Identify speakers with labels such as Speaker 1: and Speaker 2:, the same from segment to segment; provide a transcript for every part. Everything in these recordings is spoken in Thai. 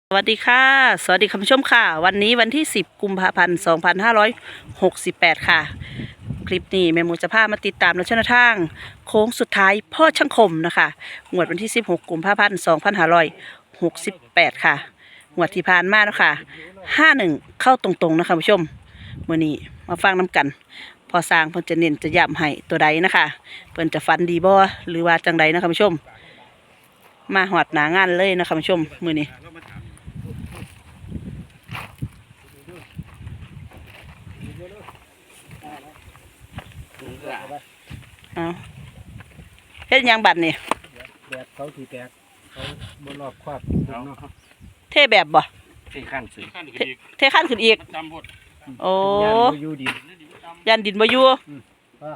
Speaker 1: สวัสดีค่ะสวัสดีคุณผู้ชมค่ะวันนี้วันที่10กุมภาพันธ์2568ค่ะคลิปนี้แม่หมูจะพามาติดตามและชนทางโค้งสุดท้ายพ่อช่างคมนะคะงวดวันที่16กุมภาพันธ์2568ค่ะงวดที่ผ่านมาเนาะค่ะ51เข้าตรงๆนะคะคุณผู้ชมมื้อนี้มาฟังน้ำกันพอสร้างเพิ่นจะเน้นจะย้ำให้ตัวใดนะคะเพิ่นจะฟันดีบ่หรือว่าจังใดนะคะคุณผู้ชมมาหอดหนางานเลยนะคะคุณผู้ชมมื้อนี้เอาเฮ็ดหยังบัดนี่
Speaker 2: แบบเขาถีแตกเขาบนรอบครอบเนาะ
Speaker 1: เทแบบบ่
Speaker 3: ที่ขั้นสิ
Speaker 1: เทขั้นขึ้นอีกโอ้
Speaker 2: ยานบ่อยู่ดิน
Speaker 1: ยันดินบ่อยู่
Speaker 2: ฟ้า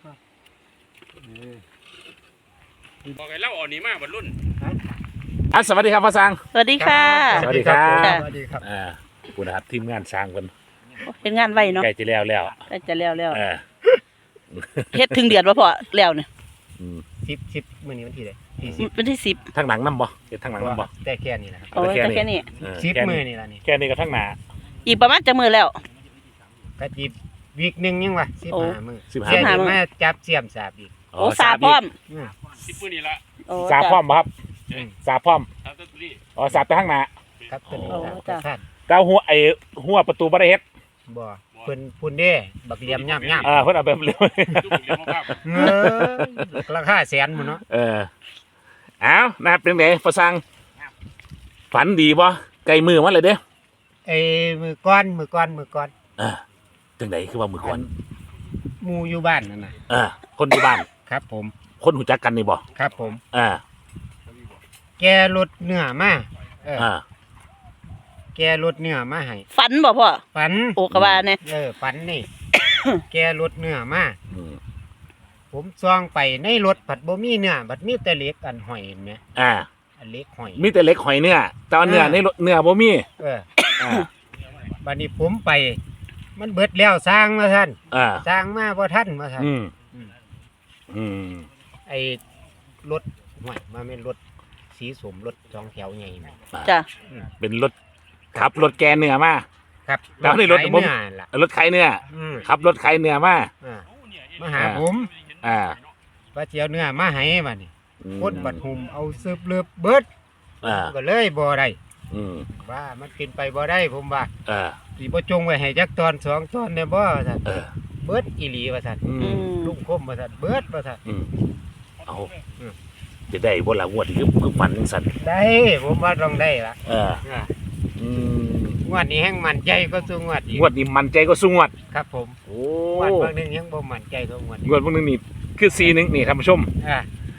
Speaker 3: บอกไอ้เล่าอ่อนนี้มากบรรลุน
Speaker 4: สวัสดีครับพ่อสร้าง
Speaker 1: สวัสดีค่ะ
Speaker 4: สวัสดีครับ
Speaker 2: สวัสดีครับ
Speaker 4: คุณนะครับทีมงานสร้างกัน
Speaker 1: เฮ็ดงานไว้เนาะ
Speaker 4: ใกล้จะแล้ว
Speaker 1: ใกล้จะแล้ว
Speaker 4: เออ
Speaker 1: เฮ็ดถึงเดือนบ่พอแล้วเนี่ย
Speaker 4: อืม
Speaker 2: สิบมื้อนี้วันที่ใดที่10
Speaker 1: วันที่10
Speaker 4: ทั้งหนังน้ำบ่เฮ็ดทั้งหนังน้ำบ่
Speaker 2: แต่แค่นี้นะครับ
Speaker 1: โอ้ยแต่แค่นี้
Speaker 2: 10มื้อนี่ล่ะนี่
Speaker 4: แค่นี้ก็ทั้งหนา
Speaker 1: อีกประมาณจะมื้อแล้ว
Speaker 2: ก็จิบวีคนึงยังวะ
Speaker 1: โอ้
Speaker 2: 15มื้อ
Speaker 4: 15
Speaker 2: เสีย
Speaker 1: 15
Speaker 2: ดีมาจับเสียมสาบอีก
Speaker 1: โอ้สาพร้อม
Speaker 2: อืม
Speaker 3: สิบปืนนี่ละ
Speaker 1: โอ้
Speaker 4: สาพร้อมบ่ครับ
Speaker 2: อืม
Speaker 4: สาพร้อม
Speaker 3: ทำต้นตุลี
Speaker 4: อ๋อสาแต่ทั้งหนา
Speaker 2: ครับตัวนี้
Speaker 1: โอ้
Speaker 2: ครับ
Speaker 1: จ้ะ
Speaker 2: ท่าน
Speaker 4: เก้าหัวประตูบ่ได้เฮ็ด
Speaker 2: บ่เพิ่นพุ่นเด้บักเหลี่ยมย่ำ
Speaker 4: เพิ่นเอาแบบเร็ว
Speaker 3: ลูกเลี้ยงภาพ
Speaker 2: เออราคาแสนหมดเนาะ
Speaker 4: เอานะครับเป็นไงพ่อสร้างฝันดีบ่ใกล้มือมาเลยเด้
Speaker 2: ไอ้มือก้อน
Speaker 4: จังไดคือว่ามือก่อน
Speaker 2: หมู่อยู่บ้านนั่นน่ะ
Speaker 4: คนที่บ้าน
Speaker 2: ครับผม
Speaker 4: คนหูจักกันนี่บ่
Speaker 2: ครับผม แกรถเนื้อมาเออ แกรถเนื้อมาให้
Speaker 1: ฝันบ่พ่อ
Speaker 2: ฝัน
Speaker 1: โอ้ก็ว่าเนี่ย
Speaker 2: ฝันนี่ แกรถเนื้อมา
Speaker 4: อืม
Speaker 2: ผมซองไปในรถผัดบ่มีเนื้อบัดมีแต่เหล็กอันหอยเห็นไหม
Speaker 4: อ่า
Speaker 2: อันเหล็กหอย
Speaker 4: มีแต่เล็กหอยเนื้อแต่ว่าเนื้อในรถเนื้อบ่มี
Speaker 2: เออ
Speaker 4: อ่า
Speaker 2: บัดนี้ผมไป มันเบิดแล้วสร้างมาท่าน
Speaker 4: อ่า
Speaker 2: สร้างมาบ่ทันมาท่าน
Speaker 4: อืม
Speaker 2: อืม
Speaker 4: อืม
Speaker 2: ไอ้รถหอยมาเป็นรถสีสมรถสองแถวใหญ่แม่
Speaker 1: จ้ะ
Speaker 4: เป็นรถขับรถแกนเนื้อมา
Speaker 2: ครับ
Speaker 4: แล้วนี่รถ
Speaker 2: ขาย
Speaker 4: ผม
Speaker 2: เนื้อล่ะ
Speaker 4: รถไข่เนื้อ
Speaker 2: อืม
Speaker 4: ขับรถไข่เนื้อมา
Speaker 2: อ่ามาหาผม
Speaker 4: อ่า
Speaker 2: ว่าสิเจียวเนื้อมาให้บัดนี้
Speaker 4: อืม
Speaker 2: คนบัดหุมเอาซึบเลือบเบิด
Speaker 4: อ่า
Speaker 2: ก็เลยบ่ได้
Speaker 4: อืม
Speaker 2: ว่ามันกินไปบ่ได้ผมว่า
Speaker 4: อ่า
Speaker 2: สิบ่จงไว้ให้จักตอนสองตอนได้บ่ว่าซั่น
Speaker 4: เออ
Speaker 2: เบิดอีหลีว่าซั่น
Speaker 4: อื
Speaker 1: อื
Speaker 4: ม
Speaker 1: ม
Speaker 2: ลุงคมว่าซั่นเบิดว่าซั่น
Speaker 4: อืมเอา
Speaker 2: อืม
Speaker 4: จะได้บ่ล่ะงวดนี้คือฝันจังซั่น
Speaker 2: ได้ผมว่าต้องได้ล่ะ
Speaker 4: เออ
Speaker 2: อ่า
Speaker 4: อืม
Speaker 2: งวดนี้แฮงมั่นใจก็สู้งวดอีก
Speaker 4: งวดนี้มันใจก็สู้งวด
Speaker 2: ครับผม
Speaker 4: โอ้
Speaker 2: งวดบางนึงยังบ่มั่นใจเท่างวด
Speaker 4: งวดพวกนึงนี่คือ41นี่ท่านผู้ชม
Speaker 2: อ่า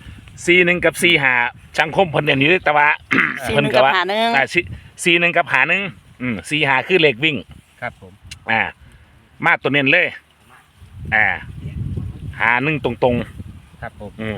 Speaker 4: 41กับ45ช่างคมเพิ่นเด่นอยู่แต่ว่า
Speaker 1: สี่
Speaker 4: เพิ่
Speaker 1: ห
Speaker 4: น
Speaker 1: นึ่ง
Speaker 4: ก็
Speaker 1: กับ
Speaker 4: ว่า
Speaker 1: หาหนึ่ง
Speaker 4: 41กับ5145คือเลขวิ่ง
Speaker 2: ครับผม
Speaker 4: มาตัวเน้นเลยหา1ตรง
Speaker 2: ครับผม
Speaker 4: ๆ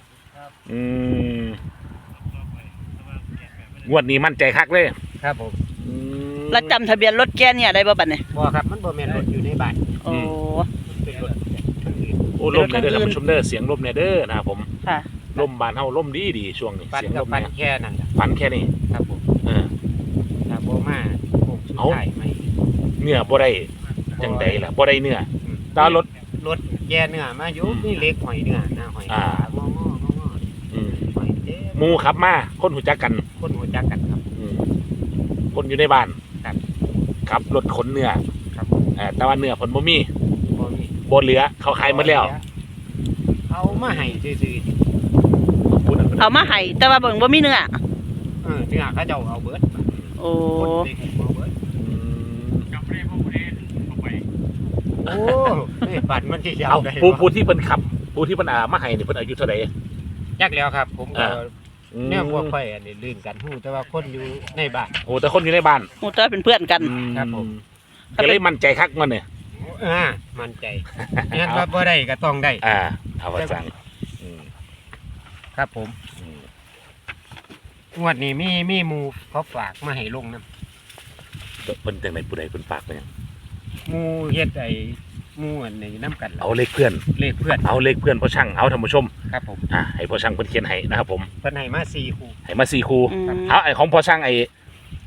Speaker 4: งวดนี้มั่นใจคักเลย
Speaker 2: ครับผม
Speaker 1: แล้วจำทะเบียนรถแกเนี่ยได้บ่บัดเนี่ย
Speaker 2: บ่ครับมันบ่แม่นรถอยู่ในบ้าน
Speaker 1: โอ้
Speaker 2: มันเป็นรถทั้งอื่น
Speaker 4: โอ้ลมเนี่ยเด้อท่านผู้ชมเด้อเสียงลมเนี่ยเด้อนะครับผม
Speaker 1: ค่ะ
Speaker 4: ลมบานเฮาลมดีช่วงนี้
Speaker 2: ปัน
Speaker 4: เสียง
Speaker 2: กั
Speaker 4: ล
Speaker 2: บ
Speaker 4: ม
Speaker 2: ปัน
Speaker 4: เนี่ย
Speaker 2: แค่นั้นล่ะ
Speaker 4: ฝันแค่นี้
Speaker 2: ครับผม
Speaker 4: เออ
Speaker 2: ถ้าบ่มาโค้งสุด
Speaker 4: เอ้า
Speaker 2: ท้ายไหม
Speaker 4: เนื้อบ่ได้จังใดล่ะบ่ได้เนื้อแตว่ารถ
Speaker 2: รถแกเนื้อมาอยู่มีเหล็กหอยเนื้อหน้าหอย
Speaker 4: อ่า
Speaker 2: งอๆ
Speaker 4: อืม
Speaker 2: หอยเด้
Speaker 4: หมู่ขับมาคนหูจักกัน
Speaker 2: คนหัวจักกันครับ
Speaker 4: คนอยู่ในบ้าน
Speaker 2: ครับ
Speaker 4: ขับรถขนเนื้อ
Speaker 2: ครับ
Speaker 4: แต่ว่าเนื้อเพิ่นบ่มี
Speaker 2: บ่มี
Speaker 4: บ่เหลือเขาขายหมดแล้ว
Speaker 2: เอามาให้ซื่อ
Speaker 4: พูดนั่น
Speaker 1: เอามาให้แต่ว่าเบิ่งบ่มีเนื้อ
Speaker 2: ๆเนื้อเขาเจ้าเอาเบิด
Speaker 1: โอ้
Speaker 2: คนเด็กเอาเบิด
Speaker 4: อืม
Speaker 3: กับเร่พ่อผู้เล่นเข้าไป
Speaker 2: โอ้ยปัดมันสิยา
Speaker 4: เอา
Speaker 2: วได้
Speaker 4: ผู้ที่เพิ่นขับผู้ที่เพิ่นมาให้นี่เพิ่นอายุเท่าใด
Speaker 2: จักแล้วครับ ผมก็
Speaker 4: อืม
Speaker 2: แนวบ่ค่อยอันนี้ลื่นกันฮู้แต่ว่าคนอยู่ในบ้าน
Speaker 4: โอ้แต่คนอยู่ในบ้าน
Speaker 1: หมู่ตัวเป็นเพื่อนกัน
Speaker 2: ครับผม
Speaker 4: ก็เลยมั่นใจคักมันเนี่ย
Speaker 2: มั่นใจงั้นว่าบ่ได้ก็ต้องได้
Speaker 4: เอาว่าสั่งอืม
Speaker 2: ครับผม
Speaker 4: อืม
Speaker 2: งวดนี้มีหมู่เขาฝากมาให้ลงนํ
Speaker 4: เพิ่นจังไดผู้ใดเพิ่นฝากไปหยัง
Speaker 2: หมู่เฮ็ดไอ้หมู่อันนี้นํกันล่ะ
Speaker 4: เอาเลขเพื่อน
Speaker 2: เลขเพื่อน
Speaker 4: เอาเลขเพื่อนพ่อช่างเอาท่านผู้ชม
Speaker 2: ครับผม
Speaker 4: ให้พ่อช่างเพิ่นเขียนให้นะครับผม
Speaker 2: เพิ่นให้มา4คู่
Speaker 4: ให้มา4คู่
Speaker 1: อืม
Speaker 4: เอาไอ้ของพ่อช่างไอ้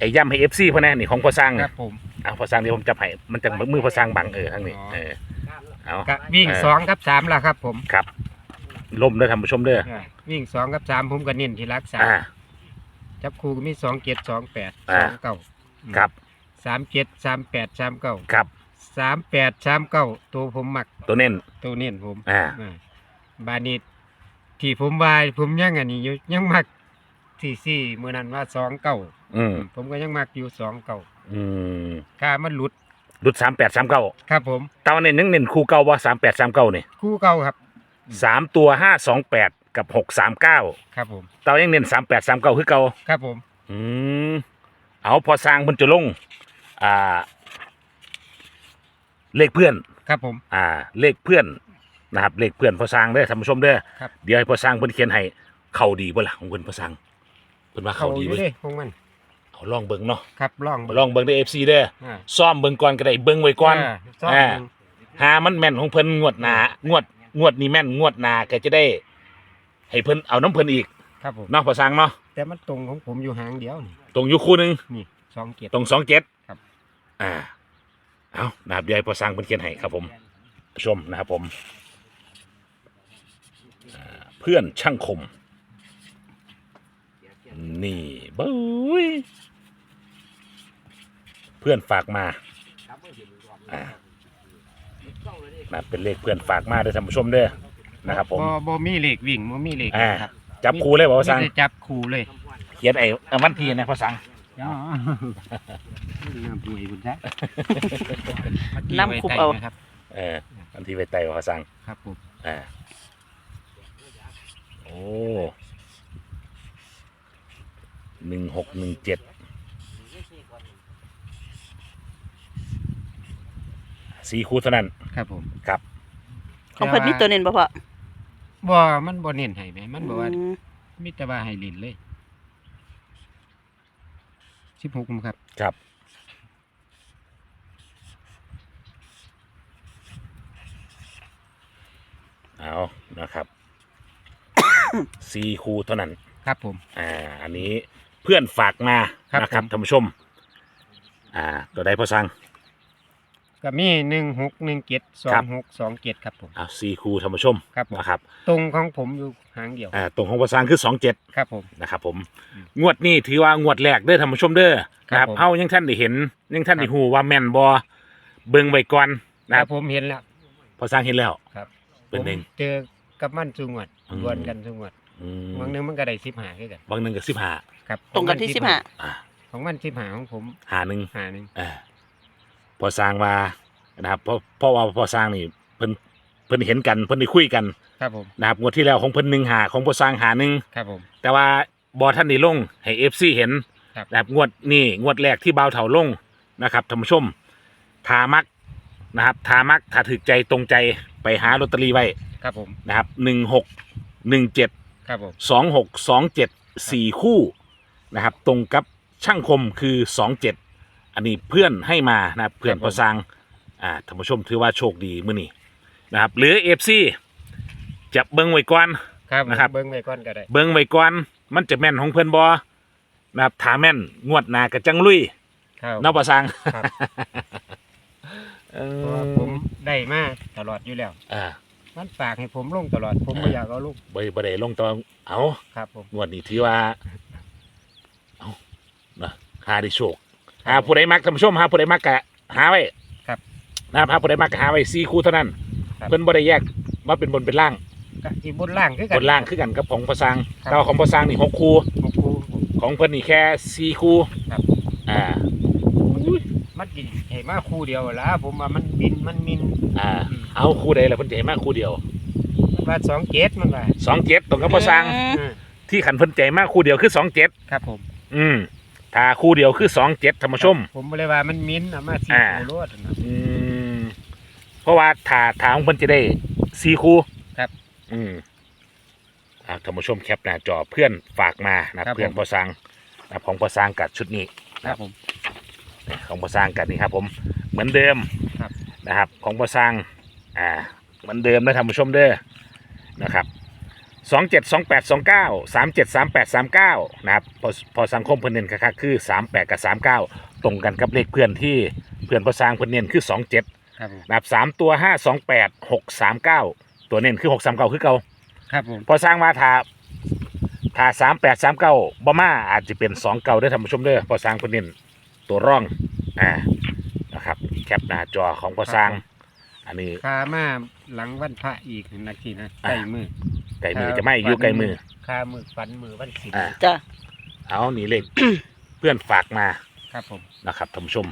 Speaker 4: ไอ้ย่ำให้เอฟซีพะนะนี่ของพอสร้าง
Speaker 2: ครับผม
Speaker 4: พอสร้างเดี๋ยวผมจับให้มันจะมือพอสร้างบังทั้งนี้เอา
Speaker 2: ก็วิ่ง2กับ3ล่ะครับผม
Speaker 4: ครับลมเด้อท่านผู้ชมเด้อ
Speaker 2: วิ่ง2กับ3ผมก็เน้นที่หลัก
Speaker 4: อ่า
Speaker 2: 3จับคู่ก็มี2 7 2 8
Speaker 4: อ่า
Speaker 2: 2 9
Speaker 4: ครับ
Speaker 2: 3 7 3 8 3 9
Speaker 4: ครับ
Speaker 2: 3 8 3 9ตัวผมมัก
Speaker 4: ตัวเน้น
Speaker 2: ตัวเน้นผม
Speaker 4: อ่า
Speaker 2: บานิดที่ผมว่าผมยังอันนี้อยู่ยังมักที่มื้อนั้นว่า2
Speaker 4: อืม
Speaker 2: 9ผมก็ยังมักอยู่2 9
Speaker 4: อืม
Speaker 2: ค่ามันหลุด
Speaker 4: รุด3839
Speaker 2: ครับผม
Speaker 4: ตอนนี้เน้นคู่เก่าว่า3839นี่
Speaker 2: คู่เก่าครับ
Speaker 4: 3ตัว528กับ639
Speaker 2: ครับผม
Speaker 4: ตอนยังเน้น3839คือเก่า
Speaker 2: ครับผม
Speaker 4: อืมเอาพอสร้างเพิ่นจะลงเลขเพื่อน
Speaker 2: ครับผม
Speaker 4: เลขเพื่อนนะครับเลขเพื่อนพอสร้างเด้อท่านผู้ชมเด้อ
Speaker 2: ครับ
Speaker 4: เดี๋ยวให้พอสร้างเพิ่นเขียนให้เข้าดีบ่ล่ะของเพิ่นพอสร้างเพิ่นว่า
Speaker 2: เขา
Speaker 4: เข้า
Speaker 2: อ
Speaker 4: ดี
Speaker 2: ยู่
Speaker 4: เว้ย
Speaker 2: เด้ของมัน
Speaker 4: เอาลองเบิ่งเนาะ
Speaker 2: ครับลอง
Speaker 4: ลองเบิ่งได้ FC เด้อ
Speaker 2: อ่า
Speaker 4: ซ่อมเบิ่งก่อนก็ได้เบิ่งไว้ก่อน
Speaker 2: ซ่อม
Speaker 4: อ่า หามันแม่นของเพิ่นงวดหน้างวดนี้แม่นงวดหน้าก็จะได้ ให้เพิ่นเอาน้ำเพิ่นอีก
Speaker 2: ครับผม
Speaker 4: เนาะพอสร้างเนาะ
Speaker 2: แต่มันตรงของผมอยู่หางเดียวนี่
Speaker 4: ตรงอยู่คู่หนึง
Speaker 2: นี่2 7
Speaker 4: ตรง27
Speaker 2: ครับ
Speaker 4: เอานะครับเดี๋ยวให้พอสร้างเพิ่นเขียนให้ครับผมชมนะครับผมเพื่อนช่างคมนี่บุ้ยเพื่อนฝากมานะเป็นเลขเพื่อนฝากมาเด้อท่านผู้ชมเด้อนะครับผม
Speaker 2: บ่มีเลขวิ่งบ่มีเลข
Speaker 4: ครับจับคู่เลยบ่พอสร้าง
Speaker 2: มีแต่จับคู่เลย
Speaker 4: เขียนไอ้วันที่นะพอสร้าง
Speaker 2: อ๋อน้ำป่วยคุณจ๊ะ
Speaker 1: น้ำคุบเอา
Speaker 2: ครับ
Speaker 4: วันที่ไปไต่พอสร้าง
Speaker 2: ครับผม
Speaker 4: โอ้16174คู่เท่านั้น
Speaker 2: ครับผม
Speaker 4: ครับ
Speaker 1: ของเพิ่นมีตัวเน้นบ่พ่อ
Speaker 2: บ่มันบ่เน้นให้แหมมันบอกว่า
Speaker 1: อืม
Speaker 2: มีแต่ว่าให้เล่นเลย16ครับ
Speaker 4: ครับเอานะครับ 4คู่เท่านั้น
Speaker 2: ครับผม
Speaker 4: อันนี้เพื่อนฝากมา
Speaker 2: ครับ
Speaker 4: นะครับ
Speaker 2: ผม
Speaker 4: ท่านผู้ชม ตัวใดพอสั่ง
Speaker 2: ก็มี1617
Speaker 4: ครับ
Speaker 2: 2627ครับผม
Speaker 4: 4คู่ท่านผู้ชม
Speaker 2: ครับผม
Speaker 4: นะครับ
Speaker 2: ตรงของผมอยู่หางเดียว
Speaker 4: ตรงของพอสั่งคือ27
Speaker 2: ครับผม
Speaker 4: นะครับผมงวดนี้ถือว่างวดแรกเด้อท่านผู้ชมเด้อ
Speaker 2: ครับ
Speaker 4: นะครับ
Speaker 2: ผม
Speaker 4: เฮายังท่านได้เห็นยังท่านได้ฮู้ว่าแม่นบ่เบิ่งไว้ก่อนนะ
Speaker 2: ค
Speaker 4: ค
Speaker 2: รั
Speaker 4: รั
Speaker 2: บบ ผมเห็นแล้ว
Speaker 4: พอสร้างเห็นแล้ว
Speaker 2: ครับ
Speaker 4: เป็นหนึ่ง
Speaker 2: ผมเจอกับมันสุงวด
Speaker 4: อืม
Speaker 2: ดวลกันสุงวด
Speaker 4: อืม
Speaker 2: บางนึงมันก็ได้15คือกัน
Speaker 4: บางหนึงก็15
Speaker 2: ครับ
Speaker 1: ตรงกันที่
Speaker 2: ของ
Speaker 1: สิบ
Speaker 2: มั
Speaker 1: ห้า
Speaker 4: อ่า
Speaker 2: ของมัน15ของผม
Speaker 4: หาหนึง
Speaker 2: 51
Speaker 4: พอสร้างว่านะครับเพราะว่าพอสร้างนี่เพิ่นเห็นกันเพิ่นได้คุยกัน
Speaker 2: ครับผม
Speaker 4: นะครับงวดที่แล้วของเพิ่น1หาของพอสร้างหาหนึง
Speaker 2: ครับผม
Speaker 4: แต่ว่าบ่ท่านได้ลงให้ FC เห็น
Speaker 2: ครับ
Speaker 4: นะครับงวดนี้งวดแรกที่บ่าวเฒ่าลงนะครับท่านผู้ชมทามักนะครับทามักถ้าถึกใจตรงใจไปหาลอตเตอรี่ไว้
Speaker 2: ครับผม
Speaker 4: นะครับ1617
Speaker 2: ครับผม
Speaker 4: 2627 4คู่นะครับตรงกับช่างคมคือ27อันนี้เพื่อนให้มานะครับเพื่อนพอสร้างท่านผู้ชมถือว่าโชคดีมื้อนี้นะครับหรือ FC จะเบิ่งไว้ก่อน
Speaker 2: ครับ
Speaker 4: นะครับ
Speaker 2: เบิ่งไว้ก่อนก็ได้
Speaker 4: เบิ่งไว้ก่อนมันจะแม่นของเพื่อนบ่นะครับถ้าแม่นงวดหน้าก็จังลุย
Speaker 2: ครับ
Speaker 4: เนาะพอสร้าง
Speaker 2: ครับ
Speaker 4: เอ
Speaker 2: เพราะว่า
Speaker 4: อ
Speaker 2: ผมได้มาตลอดอยู่แล้ว
Speaker 4: อ่า
Speaker 2: มันฝากให้ผมลงตลอด ผมไม่อยากเอาลูก
Speaker 4: บ่ได้ลงตอนเอา
Speaker 2: ครับผม
Speaker 4: งวดนี้ถือว่าเอานะหาได้โชคหาผู้ใดมักท่านผู้ชมหาผู้ใดมักกะหาไว้
Speaker 2: ครับ
Speaker 4: นะครับหาผู้ใดมักกะหาไว้4คู่เท่านั้น
Speaker 2: ครับ
Speaker 4: เพิ่นบ่ได้แยกว่าเป็นบนเป็นล่าง
Speaker 2: ก็อีบนล่างคือกัน
Speaker 4: บนล่างคือกันกับของพอสร้าง
Speaker 2: ครับ
Speaker 4: แต่ว่าของพอสร้างนี่6คู่
Speaker 2: ของครู
Speaker 4: ของเพิ่นนี่แค่4คู่
Speaker 2: ครับ
Speaker 4: อ่า
Speaker 2: มันกินให้มาคู่เดียวละผมว่ามันบินมันมิน
Speaker 4: เอาคู่ใดล่ะเพิ่นจะให้มาคู่เดียว
Speaker 2: มันว่า2 7มันว่า
Speaker 4: 27ตรงกับพอสร้าง
Speaker 2: อืม
Speaker 4: ที่ขันเพิ่นใจมากคู่เดียวคือ27
Speaker 2: ครับผม
Speaker 4: ถ้าคู่เดียวคือ27ท่านผู้ชม
Speaker 2: ผมบ่เลยว่ามันมินเอามาสี่
Speaker 4: อ่า
Speaker 2: คู่รวดนะ
Speaker 4: เพราะว่าถ้าของเพิ่นจะได้4คู่
Speaker 2: ครับ
Speaker 4: ท่านผู้ชมแคปหน้าจอเพื่อนฝากมานะครับ เพื่อน
Speaker 2: ผม
Speaker 4: พอสร้างนะครับของพอสร้างกับชุดนี้
Speaker 2: ครับผม
Speaker 4: ของพอสร้างกันนี่ครับผมเหมือนเดิม
Speaker 2: ครับ
Speaker 4: นะครับของพอสร้างเหมือนเดิมนะท่านผู้ชมเด้อนะครับ 272829 373839นะครับพอสังคมเพิ่นเน้นคักๆคือ38กับ39ตรงกันกับเลขเพื่อนที่เพื่อนพอสร้างเพิ่นเน้นคือ27
Speaker 2: ครับผม
Speaker 4: นะครับ3ตัว528 639ตัวเน้นคือ639คือเก่า
Speaker 2: ครับผม
Speaker 4: พอสร้างมาถ้า3839บ่มาอาจจะเป็น2เก่าเด้อท่านผู้ชมเด้อพอสร้างเพิ่นเน้นตัวร่องนะครับแคปหน้าจอของพอสร้างอันนี้
Speaker 2: คามาหลังวันพระอีกนาทีนะใกล้มือ
Speaker 4: ไก่มือจะไม่อยู่ไก่มือ
Speaker 2: คามือฝันมือวันศิล
Speaker 4: อ่า
Speaker 1: จ้ะ
Speaker 4: เอานี่เลข เพื่อนฝากมา
Speaker 2: ครับผม
Speaker 4: นะครับท่านผู้ชม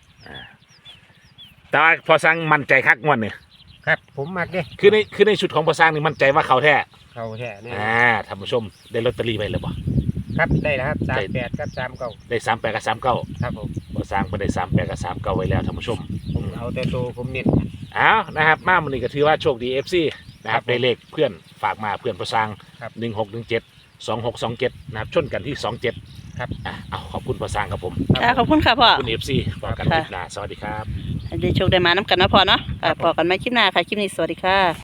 Speaker 4: แต่ว่าพอสร้างมั่นใจคักงวดเนี่ย
Speaker 2: ครับผมมักเด้
Speaker 4: คือในชุดของพอสร้างนี่มั่นใจว่าเขาแท้
Speaker 2: เขาแท้เนี่ย
Speaker 4: ท่านผู้ชมได้ลอตเตอรี่ไปหรือเปล่า
Speaker 2: ครับได้แล้วครับ38กับ39
Speaker 4: ได้38กับ39
Speaker 2: ครับผม
Speaker 4: พอสร้างไปได้38กับ39ไว้แล้วท่านผู้ชม
Speaker 2: ผมเอาแต่ตัวผมเน้น
Speaker 4: เอานะครับมาวันนี้ก็ถือว่าโชคดี FC นะครับ
Speaker 2: ครับผม
Speaker 4: ได้เลขเพื่อนฝากมาเพื่อนพอสร้าง
Speaker 2: ครับ
Speaker 4: 1617 2627นะครับชนกันที่27
Speaker 2: ครับ
Speaker 4: เอาขอบคุณพอสร้างครับผม
Speaker 1: ค่ะขอบคุณค่ะพ่อ
Speaker 4: ขอบคุณ FC ฝากกันคลิปหน้าสวัสดีครับ
Speaker 1: ให้ได้โชคได้มาน้ำกันนะพ่อเนาะค่ะพอกันไหมคลิปหน้าค่ะ คลิปนี้สวัสดีค่ะ